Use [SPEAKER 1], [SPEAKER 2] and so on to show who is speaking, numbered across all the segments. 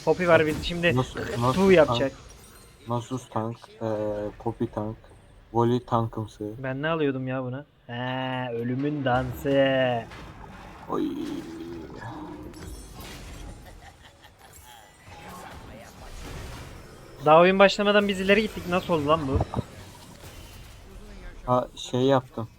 [SPEAKER 1] Poppy var biz şimdi
[SPEAKER 2] Nasus
[SPEAKER 1] tu yapacak.
[SPEAKER 2] Nasus tank, Poppy tank, Voli tankımsı.
[SPEAKER 1] Ben ne alıyordum ya buna? He, ölümün dansı.
[SPEAKER 2] Oy.
[SPEAKER 1] Daha oyun başlamadan biz ileri gittik. Nasıl oldu lan bu?
[SPEAKER 2] Ha şey yaptım.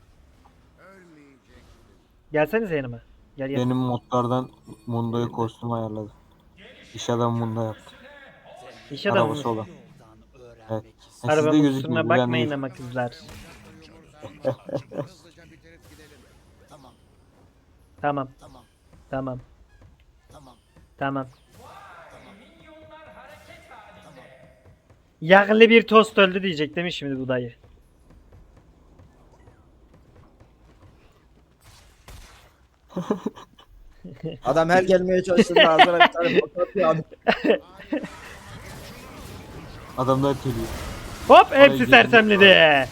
[SPEAKER 1] Gelsenize yanıma. Gel gel.
[SPEAKER 2] Benim modlardan Mundo'yu kostüm ayarladım. İş adamı Mundo yaptım.
[SPEAKER 1] İş adamı
[SPEAKER 2] Arabası
[SPEAKER 1] mısın?
[SPEAKER 2] olan. Evet. Ha, sizde
[SPEAKER 1] Arabamın
[SPEAKER 2] gözükmüyor.
[SPEAKER 1] kusuruna
[SPEAKER 2] Bu bende
[SPEAKER 1] bakmayın
[SPEAKER 2] gözüküyor.
[SPEAKER 1] ama kızlar. Tamam. Tamam. Tamam. Yağlı bir tost öldü diyecek değil mi şimdi bu dayı?
[SPEAKER 3] Adam her gelmeye çalıştığında ağzına bir tane patlatıyor abi.
[SPEAKER 2] Adamlar geliyor.
[SPEAKER 1] Hop
[SPEAKER 2] Oraya
[SPEAKER 1] hepsi
[SPEAKER 2] girdim.
[SPEAKER 1] sersemledi.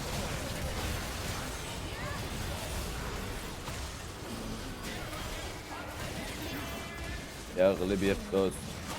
[SPEAKER 3] Yağlı bir tost.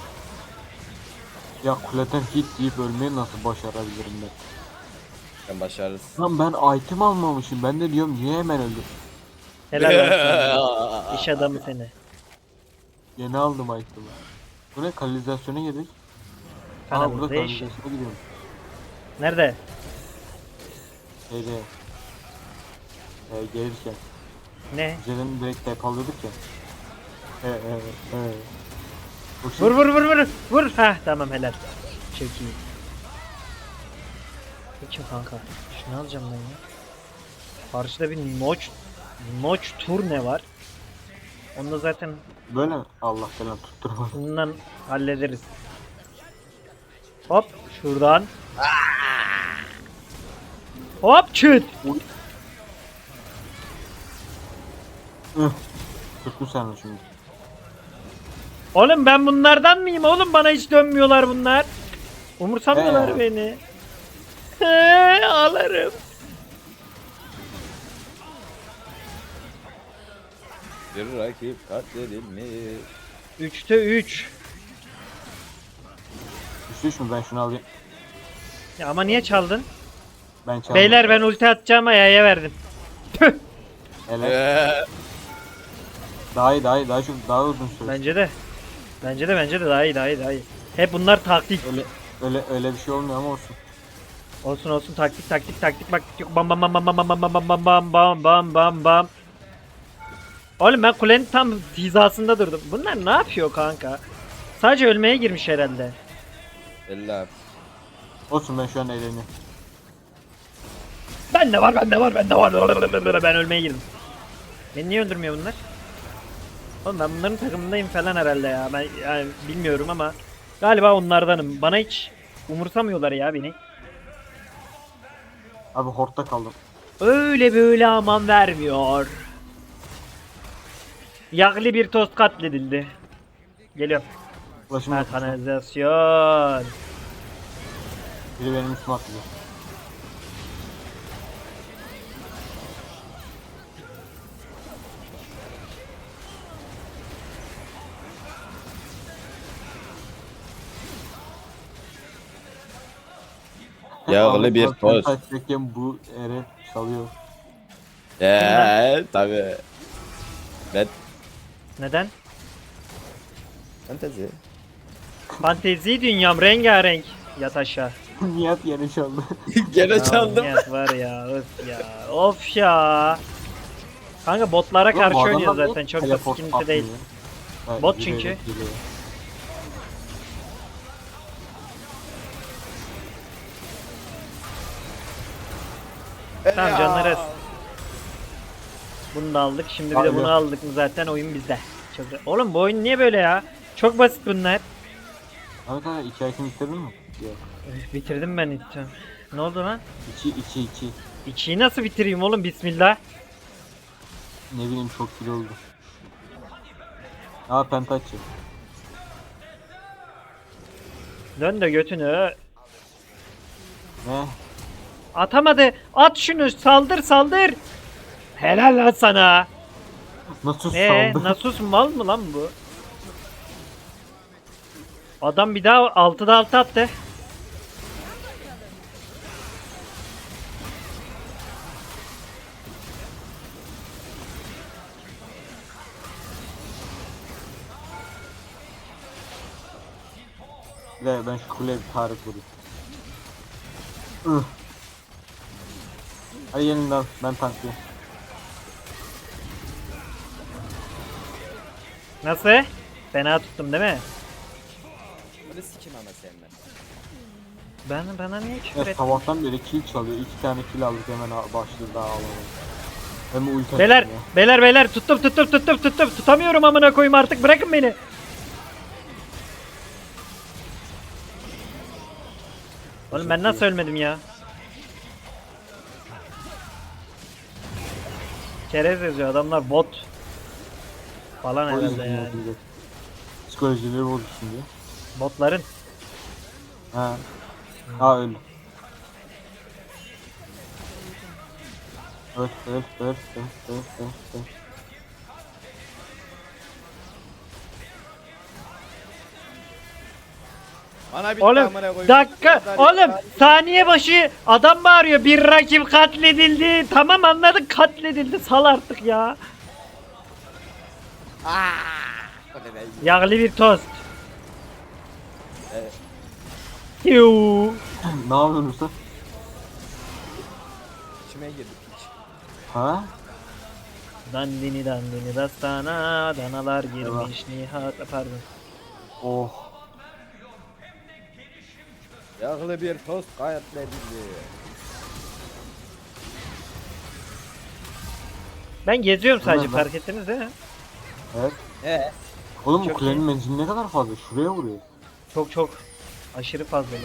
[SPEAKER 2] Ya kuleden hit yiyip ölmeyi nasıl başarabilirim ben?
[SPEAKER 3] Sen başarırız.
[SPEAKER 2] Lan ben item almamışım. Ben de diyorum niye hemen öldüm?
[SPEAKER 1] Helal olsun. İş adamı seni.
[SPEAKER 2] Yeni aldım item'ı. Bu ne? Kanalizasyona girdik. Aa burada
[SPEAKER 1] Kanalization.
[SPEAKER 2] kanalizasyona gidiyorum.
[SPEAKER 1] Nerede?
[SPEAKER 2] Şeyde. Gelirken.
[SPEAKER 1] Ne?
[SPEAKER 2] Üzerinden direkt tep alıyorduk ya. Bu
[SPEAKER 1] Vur vur vur vur. Vur. Hah tamam helal. Çok iyi. Peki kanka. Şunu alacağım ben ya. Karşıda bir Notch turne var. Onu da zaten
[SPEAKER 2] Böyle mi? Allah falan tutturma.
[SPEAKER 1] bundan hallederiz. Hop şuradan. Hop çıt.
[SPEAKER 2] Tuttu sen o şimdi.
[SPEAKER 1] Oğlum ben bunlardan mıyım oğlum? Bana hiç dönmüyorlar bunlar. Umursamıyorlar
[SPEAKER 2] Ee?
[SPEAKER 1] beni. Ağlarım.
[SPEAKER 3] Bir rakip katledilmiş.
[SPEAKER 1] 3'te 3.
[SPEAKER 2] Düştü mü? Ben şunu alayım.
[SPEAKER 1] Ya ama niye çaldın?
[SPEAKER 2] Ben çaldım.
[SPEAKER 1] Beyler ben ulti atacağım Ya'ya verdim. Tüh.
[SPEAKER 2] Hele. Daha iyi daha iyi. Daha uzun süre.
[SPEAKER 1] Bence de. Bence de daha iyi. Hep bunlar taktik.
[SPEAKER 2] Öyle bir şey olmuyor ama olsun.
[SPEAKER 1] Olsun taktik bak yok bam bam bam bam bam bam bam bam bam bam bam bam bam. Oğlum ben kulenin tam hizasında durdum. Bunlar ne yapıyor kanka? Sadece ölmeye girmiş herhalde.
[SPEAKER 3] Eller.
[SPEAKER 2] Olsun ben şu an eğleniyorum.
[SPEAKER 1] Bende var. Ben ölmeye girdim. Beni niye öldürmüyor bunlar? Oğlum ben bunların takımındayım falan herhalde ya. Ben yani bilmiyorum ama galiba onlardanım. Bana hiç umursamıyorlar ya beni.
[SPEAKER 2] Abi hortta kaldım.
[SPEAKER 1] Öyle böyle aman vermiyor. Yağlı bir tost katledildi. Geliyorum.
[SPEAKER 2] Ulaşım
[SPEAKER 1] Ha,
[SPEAKER 2] yok.
[SPEAKER 1] kanalizasyon.
[SPEAKER 2] Biri benim üstüme atladı.
[SPEAKER 3] Yağlı bir tost.
[SPEAKER 2] Kaçırken bu ere çalıyor.
[SPEAKER 3] Tabii. Ben
[SPEAKER 1] Neden?
[SPEAKER 3] fantezi.
[SPEAKER 1] Fantezi dünyam rengarenk. Yat aşağı.
[SPEAKER 2] Nihat yeni çaldı.
[SPEAKER 3] Gene
[SPEAKER 1] Ya,
[SPEAKER 3] çaldım.
[SPEAKER 1] Nihat var ya öf ya. Of ya. Kanka botlara
[SPEAKER 2] Oğlum,
[SPEAKER 1] karşı
[SPEAKER 2] bu
[SPEAKER 1] oynuyor
[SPEAKER 2] adamlar
[SPEAKER 1] zaten
[SPEAKER 2] niye
[SPEAKER 1] çok da
[SPEAKER 2] teleport
[SPEAKER 1] sıkıntı değil.
[SPEAKER 2] atmıyor? Ha,
[SPEAKER 1] Bot
[SPEAKER 2] yürüyerek
[SPEAKER 1] çünkü.
[SPEAKER 2] geliyor.
[SPEAKER 1] Tamam canları az. Bunu da aldık. Şimdi bir de
[SPEAKER 2] Abi.
[SPEAKER 1] bunu aldık mı zaten oyun bizde. Çok... Oğlum bu oyun niye böyle ya? Çok basit bunlar.
[SPEAKER 2] Evet abi 2 item bitirdin mi? Yok.
[SPEAKER 1] Üf, bitirdim ben itti. Ne oldu lan?
[SPEAKER 2] 2.
[SPEAKER 1] 2'yi nasıl bitireyim oğlum bismillah.
[SPEAKER 2] Ne bileyim çok kilo oldu. Aa pentaçı.
[SPEAKER 1] Dön de götünü.
[SPEAKER 2] Ne?
[SPEAKER 1] Atamadı. At şunu saldır. Helal lan sana.
[SPEAKER 2] Nasıl saldı?
[SPEAKER 1] Nasus mal mı lan bu? Adam bir daha 6'da 6 attı.
[SPEAKER 2] Bir de ben şu kuleye bir tarih vurayım. Hadi yeniden ben tanklayayım.
[SPEAKER 1] Nasıl? Fena tuttum değil mi?
[SPEAKER 3] Bunu sikim ama seninle.
[SPEAKER 1] Bana niye küfür
[SPEAKER 2] Ya
[SPEAKER 1] ettin?
[SPEAKER 2] sabahtan beri kill çalıyor. 2 tane kill aldık hemen başladı daha alalım. Hem ulti
[SPEAKER 1] Beyler,
[SPEAKER 2] açtım ya.
[SPEAKER 1] beyler tuttum. Tutamıyorum amına koyayım artık, bırakın beni. Oğlum ben nasıl ölmedim ya? Çerez yazıyor adamlar, bot falan
[SPEAKER 2] O
[SPEAKER 1] herhalde
[SPEAKER 2] yüzden
[SPEAKER 1] yani.
[SPEAKER 2] yapılacak. Psikolojileri bozulsun diye.
[SPEAKER 1] Botların.
[SPEAKER 2] Ha. Ha öyle. Öl.
[SPEAKER 3] Bana bir
[SPEAKER 1] Oğlum
[SPEAKER 3] amına koyayım.
[SPEAKER 1] dakika, oğlum saniye başı adam bağırıyor, bir rakip katledildi. Tamam anladık, katledildi, sal artık ya.
[SPEAKER 3] O ne be?
[SPEAKER 1] Yağlı bir tost.
[SPEAKER 3] Evet.
[SPEAKER 1] Yuu.
[SPEAKER 2] Ne yapıyorsun usta?
[SPEAKER 3] İçime girdi piç.
[SPEAKER 2] Ha?
[SPEAKER 1] Dandini dastana, danalar girmiş Nihat, pardon.
[SPEAKER 2] Oh.
[SPEAKER 3] Yağlı bir tost katledildi.
[SPEAKER 1] Ben geziyorum sadece,
[SPEAKER 2] Ulan ben-
[SPEAKER 1] fark ettiniz değil mi?
[SPEAKER 2] Evet.
[SPEAKER 3] Oğlum
[SPEAKER 2] Oğlum bu
[SPEAKER 1] Çok
[SPEAKER 2] kulenin
[SPEAKER 1] iyi.
[SPEAKER 2] menzili ne kadar fazla? Şuraya vuruyor.
[SPEAKER 1] Çok aşırı fazlalar.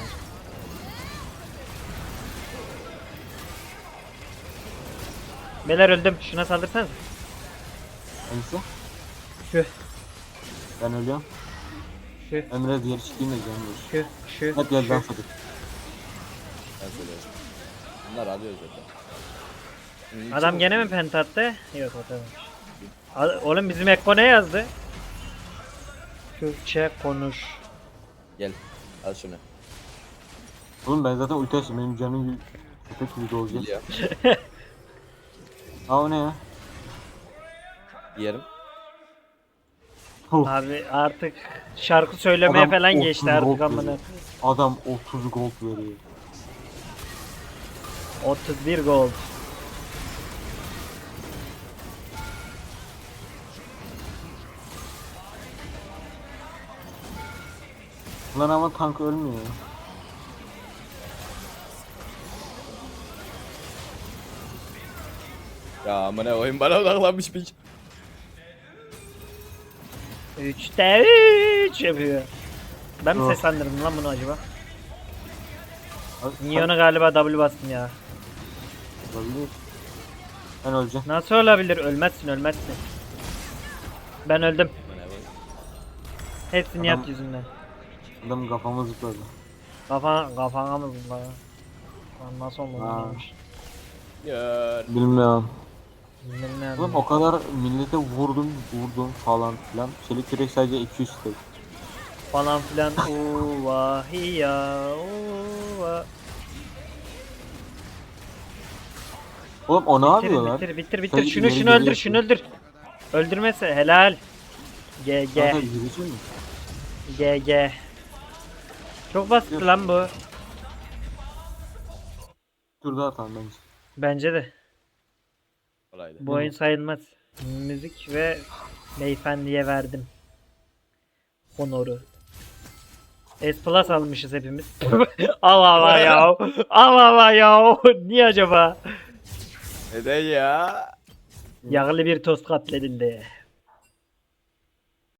[SPEAKER 1] Beyler öldüm, şuna saldırsanız.
[SPEAKER 2] Hangisi?
[SPEAKER 1] Şu
[SPEAKER 2] Ben ölüyorum.
[SPEAKER 1] şu
[SPEAKER 2] Emre diğer çıkayım da canım.
[SPEAKER 1] şu
[SPEAKER 2] Hep yerden fıdık.
[SPEAKER 3] ben söylüyorum. Bunlar alıyor zaten.
[SPEAKER 1] Adam gene mi penta attı? Yok, atamamış. Oğlum bizim Ekko ne yazdı? Türkçe konuş.
[SPEAKER 3] Gel. Al şunu.
[SPEAKER 2] Oğlum ben zaten ulti açtım. Benim canım gibi köpek gibi dolacak.
[SPEAKER 3] Geliyor.
[SPEAKER 2] Aa o ne ya?
[SPEAKER 3] Yerim.
[SPEAKER 1] Abi artık şarkı söylemeye
[SPEAKER 2] Adam
[SPEAKER 1] falan
[SPEAKER 2] 30
[SPEAKER 1] geçti artık
[SPEAKER 2] gold
[SPEAKER 1] amına.
[SPEAKER 2] veriyor. Adam 30 gold veriyor.
[SPEAKER 1] 31 gold.
[SPEAKER 2] Lan ama tank ölmüyor ya.
[SPEAKER 3] Ya amına koyayım, bana odaklanmış piç.
[SPEAKER 1] 3'te 3 yapıyor. Ben mi
[SPEAKER 2] Yok.
[SPEAKER 1] seslendirdim lan bunu acaba?
[SPEAKER 2] Abi,
[SPEAKER 1] Minyona galiba W bastım ya.
[SPEAKER 2] olabilir. Ben öleceğim.
[SPEAKER 1] Nasıl olabilir? Ölmezsin. Ben öldüm.
[SPEAKER 3] Amına koyayım.
[SPEAKER 1] Hepsi
[SPEAKER 2] Adam-
[SPEAKER 1] Nihat yüzünden.
[SPEAKER 2] Adam kafama zıpladı.
[SPEAKER 1] Kafana mı zıpla ya? Lan nasıl olmadı
[SPEAKER 2] Ha.
[SPEAKER 1] neymiş?
[SPEAKER 3] Gör.
[SPEAKER 2] Bilmiyorum.
[SPEAKER 1] Bilmiyorum.
[SPEAKER 2] Oğlum o kadar millete vurdum falan filan. Çelik yürek sadece 200 tek.
[SPEAKER 1] Falan filan. Uvahiya. Uva.
[SPEAKER 2] Oğlum o ne yapıyorlar?
[SPEAKER 1] Bitir.
[SPEAKER 2] Sen
[SPEAKER 1] Şunu
[SPEAKER 2] ileri
[SPEAKER 1] öldür,
[SPEAKER 2] geri
[SPEAKER 1] şunu öldür. Öldürmese helal. GG.
[SPEAKER 2] Kanka yürüyecek mi?
[SPEAKER 1] GG. Çok basit lan bu.
[SPEAKER 2] Dur daha atalım bence.
[SPEAKER 1] Bence de.
[SPEAKER 3] Kolaydı.
[SPEAKER 1] Bu oyun sayılmaz. Müzik ve beyefendiye verdim. Honoru. S Plus almışız hepimiz. Allah ya. Allah ya. Niye acaba?
[SPEAKER 3] Neden ya?
[SPEAKER 1] Yağlı bir tost katledildi.